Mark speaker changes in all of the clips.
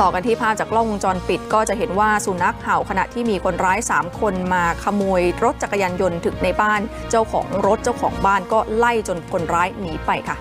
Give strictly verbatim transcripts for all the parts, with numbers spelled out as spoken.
Speaker 1: ต่อกันที่ภาพจากกล้องวงจรปิดก็จะเห็นว่าสุนัขเห่าขณะที่มีคนร้ายสามคนมาขโมยรถจักรยานยนต์ถึงในบ้านเจ้าของรถเจ้าของบ้านก็ไล่จนคนร้ายหนีไปค่ะ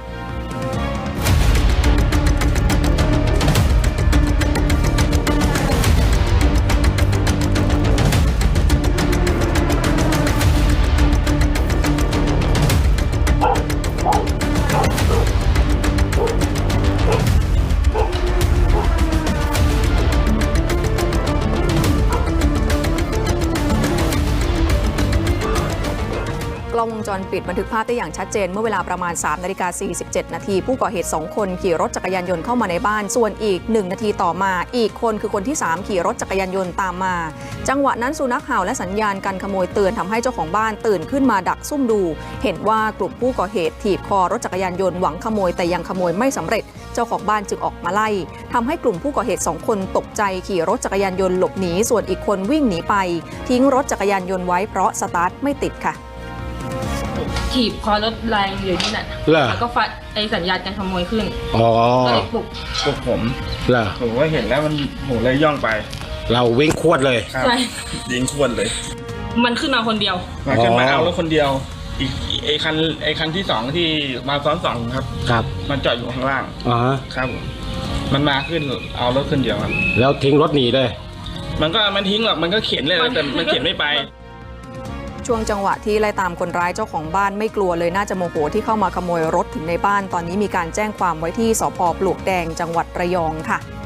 Speaker 1: กล้องวงจรปิดบันทึกภาพได้อย่างชัดเจนเมื่อเวลาประมาณ สามนาฬิกาสี่สิบเจ็ดนาทีผู้ก่อเหตุสองคนขี่รถจักรยานยนต์เข้ามาในบ้านส่วนอีกหนึ่งนาทีต่อมาอีกคนคือคนที่สามขี่รถจักรยานยนต์ตามมาจังหวะนั้นสุนัขเห่าและสัญญาณการขโมยเตือนทำให้เจ้าของบ้านตื่นขึ้นมาดักซุ่มดูเห็นว่ากลุ่มผู้ก่อเหตุถีบคอรถจักรยานยนต์หวังขโมยแต่ยังขโมยไม่สำเร็จเจ้าของบ้านจึงออกมาไล่ทำให้กลุ่มผู้ก่อเหตุสองคนตกใจขี่รถจักรยานยนต์หลบหนีส่วนอีกคนวิ่งหนีไปทิ้งรถจักรยานยนต์ไว้เพราะสตาร์ทไม่ติดค่ะ
Speaker 2: ถีบคอรถแรงอยู่นี่แหละแล้วก็ฟัดไอสัญญาณการขโมยขึ้น
Speaker 3: อ๋อ
Speaker 2: ก็เลยปลุก
Speaker 4: ปลุกผม
Speaker 3: เหรอ
Speaker 4: ผมก็เห็นแล้วมันผมเลยย่องไป
Speaker 3: เราวิ่งขวดเลย
Speaker 4: ใช่ยิงขวดเลย
Speaker 2: มันขึ้นมาคนเดียว
Speaker 4: มาขึ้นมาเอารถคนเดียวอีกไอคันไอคันที่สองที่มาซ้อนสองครับ
Speaker 3: ครับ
Speaker 4: มันจอดอยู่ข้างล่าง
Speaker 3: อ๋อ
Speaker 4: ครับมันมาขึ้นเอารถขึ้นเดียวครับ
Speaker 3: แล้วทิ้งรถหนีเลย
Speaker 4: มันก็มันทิ้งหรอกมันก็เข็นเลยแต่มันเข็นไม่ไป
Speaker 1: ช่วงจังหวะที่ไล่ตามคนร้ายเจ้าของบ้านไม่กลัวเลยน่าจะโมโหที่เข้ามาขโมยรถถึงในบ้านตอนนี้มีการแจ้งความไว้ที่สภ.ปลวกแดงจังหวัดระยองค่ะ